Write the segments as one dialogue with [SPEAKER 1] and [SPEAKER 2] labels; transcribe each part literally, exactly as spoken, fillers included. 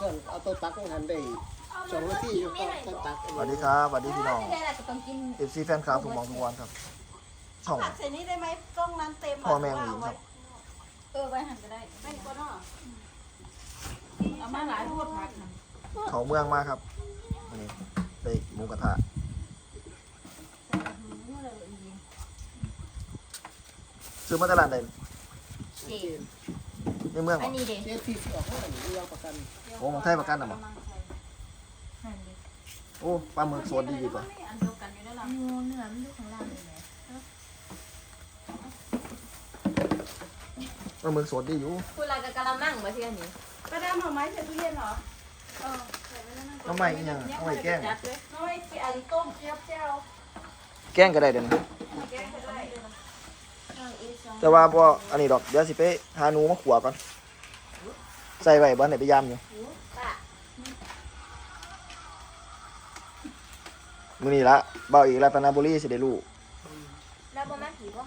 [SPEAKER 1] ส่วนเอาตัวตักของหันได้สองนาทีอยู่ก็ต้องตัก
[SPEAKER 2] สวัสดีครับสวัสดีพี่น้อง
[SPEAKER 3] ไม่ได้ละก็ต้องกิน
[SPEAKER 2] เอฟซีแฟนคลับทุกหมองทุกวันครับช่อง
[SPEAKER 4] ผักใส่นี้ได้ไหมกล้องนั้นเต็ม
[SPEAKER 2] พ่อแม่หญิงครับ
[SPEAKER 3] เออไว้หันก็ได้
[SPEAKER 4] ไม่ก็เนาะเอามาหลายโทษผักนะ
[SPEAKER 2] เขาเมืองมาครับวันนี้ได้หมูกระทะซื้อมาตลาดใด
[SPEAKER 3] เจ๊
[SPEAKER 2] ในเมืองเหร
[SPEAKER 3] อั
[SPEAKER 2] อน
[SPEAKER 3] นี้เด็
[SPEAKER 1] เจ๊ที่สิออกมาหรือยังประกัน
[SPEAKER 2] โอ้ของไทยประกันอ่ะมั้ง
[SPEAKER 3] หันดิ
[SPEAKER 2] โอ้ปลาหมึกสดดีดีกว่า
[SPEAKER 4] อันเดียวกันอยู่แล้วล่ะ
[SPEAKER 3] งูเนื้อมันอยู่ข้างล่างเลยไหม
[SPEAKER 2] ปลาหมึกสดดีอยู่
[SPEAKER 3] คุณลากกะละมังมาที่อันนี้
[SPEAKER 4] ป้าดามเอาไม้ใส่ตู้เย็นเหรอ
[SPEAKER 3] เออ
[SPEAKER 2] น้ำใหม่ยังน้ำใหม่แกล้ง
[SPEAKER 4] จัดเลยน้อยสิอันต้มเจียวเจียว
[SPEAKER 2] แกล้งก็ได้เดี๋ยวนี้
[SPEAKER 4] แกงก็ได้
[SPEAKER 3] เอาอีกสอง
[SPEAKER 2] แต่ว่าพออันนี้ดอกเดี๋ยวสิไปหาหนูมาขัวก่อนใส่ไว้บ้านไหนไปยามอยู่
[SPEAKER 3] ป้า
[SPEAKER 2] มื้อนี้ละเบาอีกรัตนบุรีสิได้รู้
[SPEAKER 3] แล้วบ่มาผีบ่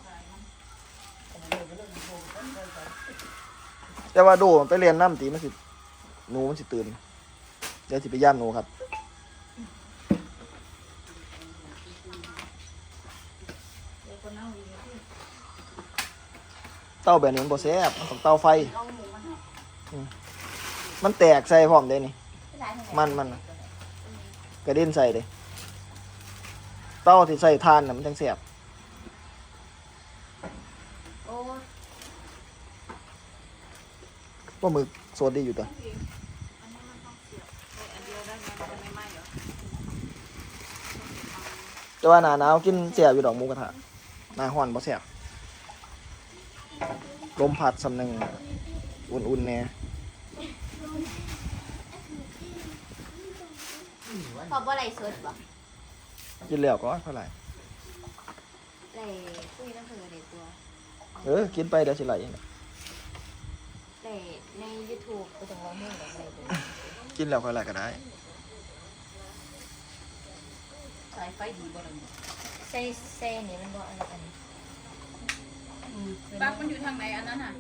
[SPEAKER 2] แต่ว่าโดมันไปเรียนน้ำตีมันสิหนูมันสิตื่นเดี๋ยวสิไปย่ามหนูครับ
[SPEAKER 4] เดี๋ยวคนเอาอีกที่
[SPEAKER 2] เต้าแบบนี้มันบ่แซ่บมันต้องเต้าไฟ
[SPEAKER 4] เอาหมูมาให้
[SPEAKER 2] มันแตกใส่พร้อมเด้นี่
[SPEAKER 3] ที่ร้านเท่าไหร่
[SPEAKER 2] มันมันน่ะกระเด็นใส่เลยเต้าที่ใส่ทานน่ะมันจังแซ่บ
[SPEAKER 3] โอ้
[SPEAKER 2] ปลาหมึกสดดีอยู่ตัว
[SPEAKER 4] อันนี้มันต้องเสียบใส่อันเดียวได้ไหมมันจะไม่ไหม้เหรอ
[SPEAKER 2] แต่ว่าหน้าหนาวกินแซ่บอยู่ดอกหมูกระทะหน้าร้อนบ่แซ่บลมพัดสำนึงอุ่นๆแน่
[SPEAKER 3] พอบ่ไหลสดบ่
[SPEAKER 2] กินแล้วก็เท่าไหร่
[SPEAKER 3] ไหลคุยนั่นคือเด็ตัว
[SPEAKER 2] เออกินไปเดี๋ยวสิไหลเอง
[SPEAKER 3] ไหลใน YouTube ก็ต้องร้องเพลงแบบไหลเลย
[SPEAKER 2] กินแล้วค่อยไหลก็ได้
[SPEAKER 4] สายไฟดีบ่ล่ะเนี่ย
[SPEAKER 3] ใส่ใส่นี่มันบ่อันอันนี้
[SPEAKER 4] ปลั๊กมันอยู่ทางไหนอันนั้นน่ะ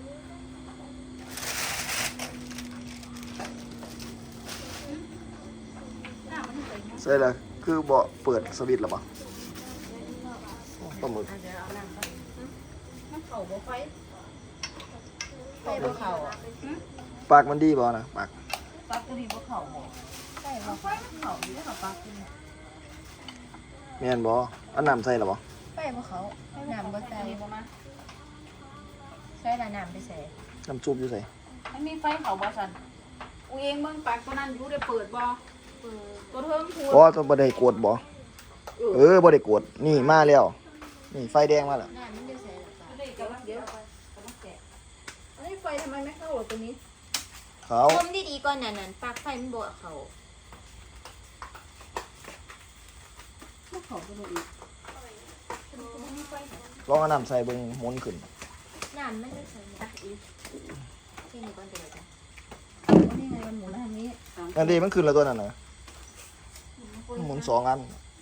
[SPEAKER 4] หน้ามันใส่หม้อ
[SPEAKER 2] ใส่แล้วคือบ่เปิดสวิตช์แล้วบ่โอ้ปลาหมึก
[SPEAKER 4] อ่ะเดี๋ยวเอาน้ำก่อนมันเข่าบ่ไฟ
[SPEAKER 3] ใส่บ่เข้าอ่ะ
[SPEAKER 2] ปากมันดีบ่นะปาก
[SPEAKER 4] ปลั๊กตัวนี้บ่เข่าบ่
[SPEAKER 3] ใส่
[SPEAKER 4] เอา
[SPEAKER 3] บ่
[SPEAKER 4] ไฟมันเข่าอยู่แล้วค่ะปลั๊กตัวนี้
[SPEAKER 2] แม่นบ่เอาน้ำใส่แล้วบ่
[SPEAKER 3] ใส่บ่เข้าน้ำบ่ใส่
[SPEAKER 4] อันนี้บ่มา
[SPEAKER 3] ใส่ละน้ำไปใส่
[SPEAKER 2] น้ำซุปอยู่ใส่
[SPEAKER 4] มันมีไฟเข่าบ่ซั่นอูเองเบิ่งปลั๊กตัวนั้นอยู่ได้เปิดบ่
[SPEAKER 3] เปิด
[SPEAKER 4] ตัวเทิงพูด
[SPEAKER 2] อ๋อต้องบ่ได้กดบ่เออบ่ได้กดนี่มาแล้วนี่ไฟแดงมาแล้ว
[SPEAKER 3] น้ำมันจะใส่ละจ้ะ
[SPEAKER 4] อันนี้กำลังเดี๋ยวกำลังแกะอันนี้ไฟทำไมไม่เข้าหรอตัวนี้
[SPEAKER 2] เขา
[SPEAKER 3] ต้มดีๆก่อนนั่นนั่นปลั๊กไฟมันบ่เข้า
[SPEAKER 4] ไม่เข้าตัวนี้อีก
[SPEAKER 2] ลองเอาน้ำใส่เบิ่งหมุนขึ้น
[SPEAKER 3] น้ำมันจะใส่ตักอีกที่นี่ก่อนจะได้จ้ะ
[SPEAKER 4] อันนี้ไงมันหมุนทางนี้
[SPEAKER 2] อันนี้มันขึ้นแล้วตัวนั้นน่ะมันหมุนสองอัน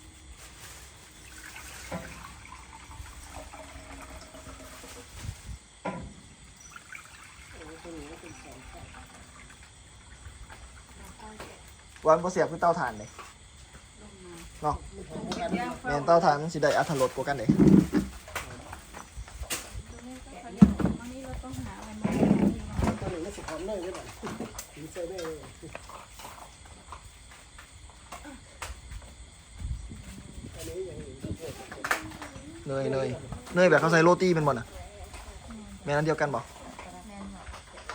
[SPEAKER 2] วันบ่เสียบคือเตาถ่านเลยเนาะแม่นเตาถ่านมันสิได้อรรถรสกว่ากันเด้
[SPEAKER 4] อันนี้เราต้องหาอะไรมา
[SPEAKER 1] ตัวนี้ไม่สิความเลยใช่ไหมถึงใส่ได้เลยอันนี้อย่างนี้
[SPEAKER 2] เนยเนยเนยแบบเขาใส่โรตีเป็นบ่น่ะแม่นอันเดียวกันบ่
[SPEAKER 3] แม่นบ่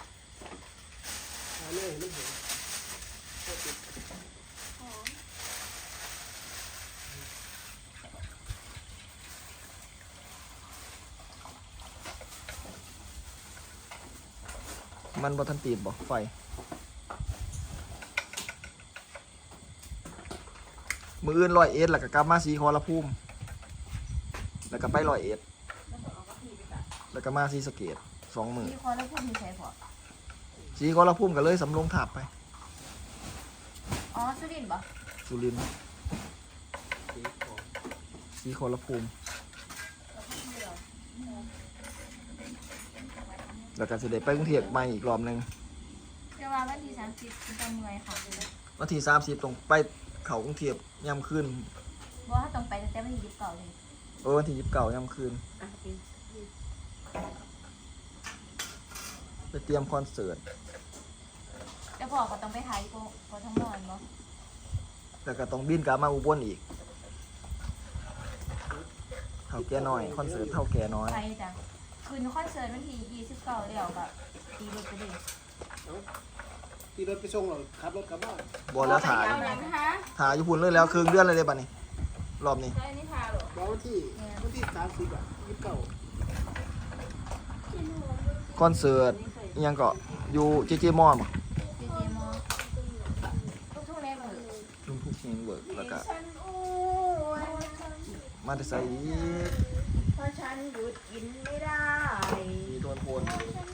[SPEAKER 1] อันนี้ไม่เห็น
[SPEAKER 2] มันบ่ทันติดบ่ไฟมืออื่นร้อยเอ็ดแล้วก็กลับมาสีขอรภูมิแล้วก็ไปร้อยเอ็ดแล้วก็มาสีสะเกษสองมือ
[SPEAKER 3] มีคอแล้วพูดมีใส่พอ
[SPEAKER 2] สีขอรภูมิก็เลยสำโรงถาบไป
[SPEAKER 3] อ๋อสุรินทร์บ่
[SPEAKER 2] สุรินทร์สีขอรภูมิแล้วก็สิได้ไปกรุงเทพใหม่อีกรอบหนึง
[SPEAKER 4] เดี๋ยว
[SPEAKER 3] ว่าวันที่สามสิบจะเมื่อยค่ะ
[SPEAKER 2] วันที่สามสิบตรงไปเขากรุงเทพย่ำคืน
[SPEAKER 3] เพราะว่าต้องไปตั้งแต่วันที่ยี่สิบเก้าเลย
[SPEAKER 2] เออวันที่ยี่สิบเก้าย่ำคืน
[SPEAKER 4] อ่ะโอเค
[SPEAKER 2] ไปเตรียมคอนเสิร์ต
[SPEAKER 3] แล้วพอก็ต้องไปถ่ายก็ก็ทั้งหมดเนาะ
[SPEAKER 2] แล้วก็ต้องบินกลับมาอุบลอีกเท่าแก่น้อยคอนเสิร์ตเท่าแก่น้อย
[SPEAKER 3] ไปจ้ะคืนคอนเสิร์ตวันที่ยี่สิบเก้าเดี๋ยวก็ตีรถไปเลย
[SPEAKER 1] ที่รถไปส่งเราขับรถกลับบ้าน
[SPEAKER 2] บอแล้วถ่าย
[SPEAKER 4] เอาหนังนะคะ
[SPEAKER 2] ถ่ายอยู่พุ่นเลยแล้วครึ่งเดือนเลยเด้บัดนี้ รอบนี้
[SPEAKER 4] ใช่นี่ทาเหรอ
[SPEAKER 1] บอกวันที่วันที่สามสิบอ่ะยี่สิบเก้า
[SPEAKER 2] คอนเสิร์ตอิหยังก็อยู่เจเจมอม
[SPEAKER 3] เจเจมอทุกทุกๆแน่เลย
[SPEAKER 2] ลุงทุกเฮงเวิร์กแล้วก็
[SPEAKER 4] ฉันอ้วน
[SPEAKER 2] มาแต่ใส่อีก
[SPEAKER 4] เพราะฉันหยุดกินไม่ได้
[SPEAKER 2] มีโดนโพน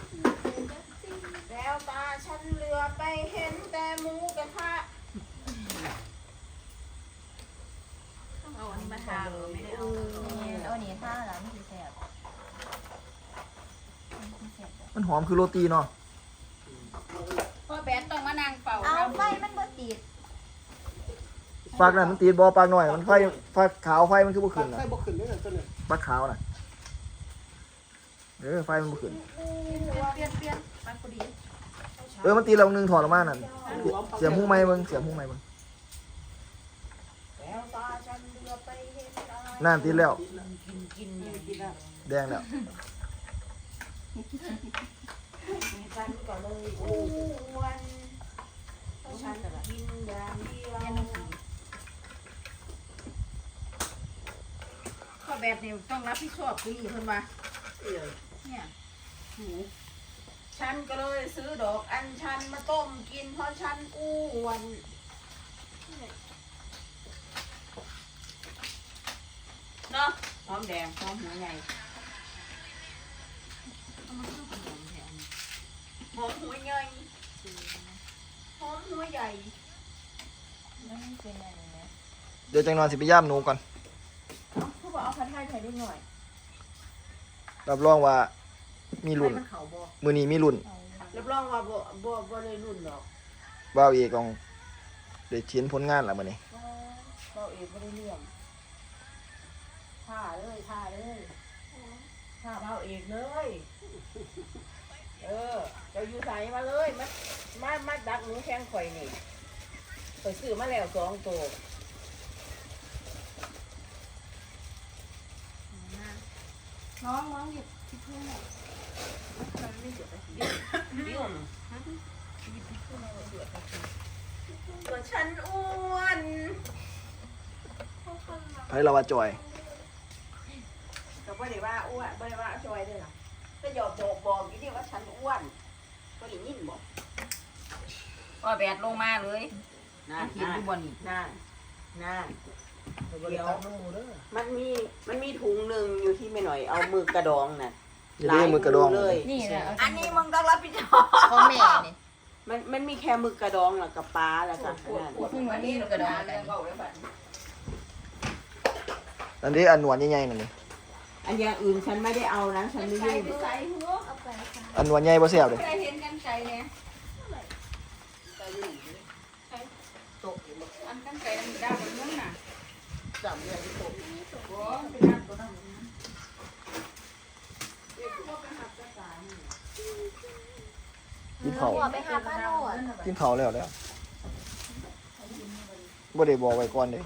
[SPEAKER 4] แล้วตาฉันเหลือไปเห็นแต่หมูกระทะเอาอันนี้มาทาเลยไม่ได้เอา
[SPEAKER 3] นี่เอาหนีท่าแล้วนี่คือแสบมันแสบจ้ะ
[SPEAKER 2] มันหอมคือโรตีเนาะ
[SPEAKER 4] พ่อแบนต้องมานั่งเป่า
[SPEAKER 3] เอาไฟมันบ่ติด
[SPEAKER 2] ปากนั่นมันตีนบอปากหน่อยมันไฟไฟขาวไฟมันคือบ่
[SPEAKER 1] ขั
[SPEAKER 2] ขึ้
[SPEAKER 1] บ
[SPEAKER 2] นน่ะ
[SPEAKER 1] ไฟบ่ขึ้นเลยนะตัวนี้
[SPEAKER 2] ปากขาวน่ะเออไฟมันบ่ขึ้น
[SPEAKER 3] เปลี่ยนเปลี่ยนมันพอดี
[SPEAKER 2] เออมันตีเราหนึงถอดออกมานั่นเสียบหูไม้เบิ่งเสียบหูไม้เบิ่ง
[SPEAKER 4] แล้วตาฉันเหลือไปเห็นอะไร
[SPEAKER 2] นั่นตีแล้ว
[SPEAKER 4] กินกินอย่างกินอ่ะ
[SPEAKER 2] แดงแล้ว
[SPEAKER 4] ฉันก็เลยอ้วนเพราะฉันกินอย่างเดียวพ่อแบบนี้ต้องรับผิดชอบกูนี่เพิ่นว่าเนี่ยหมูฉันก็เลยซื้อดอกอัญชันมาต้มกินเพราะฉันอ้วนเนาะหอมแดงหอมหัวใหญ่หอมหัวใหญ่หอมหัวใหญ่
[SPEAKER 3] แล้วมันเป็นอะไรเนี่ย
[SPEAKER 2] เดี๋ยวจังนอนสิไปย่ามหนูก่อน
[SPEAKER 4] เอาเขาบอกเอาพันไทยไทยนิดหน่อย
[SPEAKER 2] รับรองว่ามีรุ่น
[SPEAKER 4] ให้มันเขาบอก
[SPEAKER 2] มื้อนี้มีรุ่น
[SPEAKER 3] เอา
[SPEAKER 4] รับรองว่าบ่บ่บ่เลยรุ่นหรอก
[SPEAKER 2] บ่าวเอกของได้ชิ้นผลงานแล้วมื้อนี้
[SPEAKER 4] เราเองไม่ได้เรื่องท่าเลยท่าเลยท่าเราเองเลย เออเจะอยู่ใส่มาเลยมามามาดักหนูแข้งข่อยนี่ข่อยซื้อมาแล้วสองตัว
[SPEAKER 3] น้องน้องหยิบที่เพื่อนหน่อย
[SPEAKER 4] ดิ้วก็ฉันอ้วน
[SPEAKER 2] ไผเราว่าจอย
[SPEAKER 4] ก็ไม่ได้ว่าอ้วนไม่ได้ว่าจอยด้วยล่ะก็หยอกบอกบอกอยู่นี่ว่าฉันอ้วนก็ได้ยินบอกว่าแบดลงมาเลยนะเห็นอยู่บนนี่นั่นนั่น
[SPEAKER 1] เดี๋ยวนู่เด้อ
[SPEAKER 4] มันมีมันมีถุงหนึ่งอยู่ที่ไม่หน่อยเอามือกระดองน่ะ
[SPEAKER 2] อย่าได้มือกระดอง
[SPEAKER 4] เลย
[SPEAKER 3] นี่แหละ
[SPEAKER 4] อันนี้มึงต้องรับผิดชอบ
[SPEAKER 3] ของแม่นี่
[SPEAKER 4] มันมันมีแค่มือกระดองแล้วกับปลาแล้วก็นั่น
[SPEAKER 3] ซึ่งวันนี้กระดองกัน
[SPEAKER 2] อันนี้อันหนวดใหญ่ๆนั่นนี่
[SPEAKER 4] อันอย่างอื่นฉันไม่ได้เอานะฉันไม่ยุ่ง
[SPEAKER 3] ใส่หัวเอาไปค่ะ
[SPEAKER 2] อันหนวดใหญ่บ่แซ่บเด้
[SPEAKER 4] เคยเห็นกันไก่เนี่ยอันกันไก่มันดาวบนนั้นน่ะ
[SPEAKER 1] จับเนี่ยที่ตก
[SPEAKER 4] โอ้เป็นน้ำตัวนั้น
[SPEAKER 2] กินข้าว
[SPEAKER 3] หัวไปหาป้าโนด
[SPEAKER 2] กินข้าวแล้วแล้วบ่ได้บอกไว้ก่อนเด้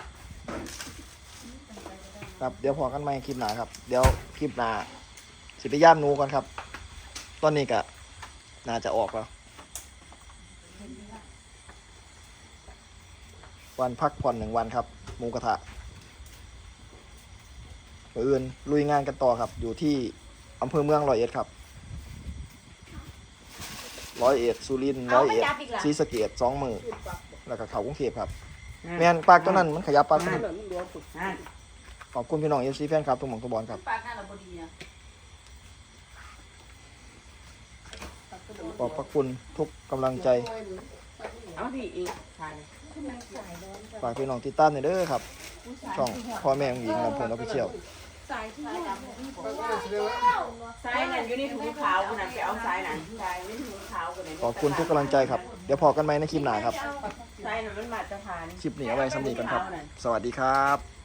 [SPEAKER 2] ครับเดี๋ยวพอกันใหม่คลิปหน้าครับ เดี๋ยวคลิปหน้าสิไปย่ามหนูก่อนครับ ตอนนี้ก็น่าจะออกแล้ว วันพักผ่อนหนึ่งวันครับหมูกระทะมื้ออื่นลุยงานกันต่อครับ อยู่ที่อำเภอเมืองร้อยเอ็ดครับร้อยเอ็ดสุรินทร์ร้อยเอ็ดศรีสะเกษสองมือแล้วก็เขากรุงเทพครับ แม่นปากตัวนั้นมันขยับปากตัว
[SPEAKER 1] นั่
[SPEAKER 2] นั้น
[SPEAKER 1] นมันรวมสุด
[SPEAKER 4] นั่น
[SPEAKER 2] ขอบคุณพี่น้องเอฟซีแฟนครับทุกหม่องทุกบอลครับ
[SPEAKER 4] ปากนั่นเราพอดีนะ
[SPEAKER 2] ขอบพระคุณทุกกำลังใจ
[SPEAKER 4] เอาพี่อีกทาน
[SPEAKER 2] ฝากพี่น้องติดตามหน่อยเด้อครับ ช่องพ่อแม่ของหญิงลำเพลินออฟฟิเชียล
[SPEAKER 4] สายที่ดำนี่
[SPEAKER 1] ก็ก็เลยแสดงว่า
[SPEAKER 4] สายนั่นอยู่ในถุงขาวคนนั้นไปเอาสายนั่นสายในถุงขาวคนนั้น
[SPEAKER 2] ขอบคุณทุกกำลังใจครับ เดี๋ยวพอกันไหมในคลิปหน้าครับ
[SPEAKER 4] สายนั่นมันมาตรฐาน
[SPEAKER 2] คลิปนี้เอาไว้สำนีกันครับ สวัสดีครับ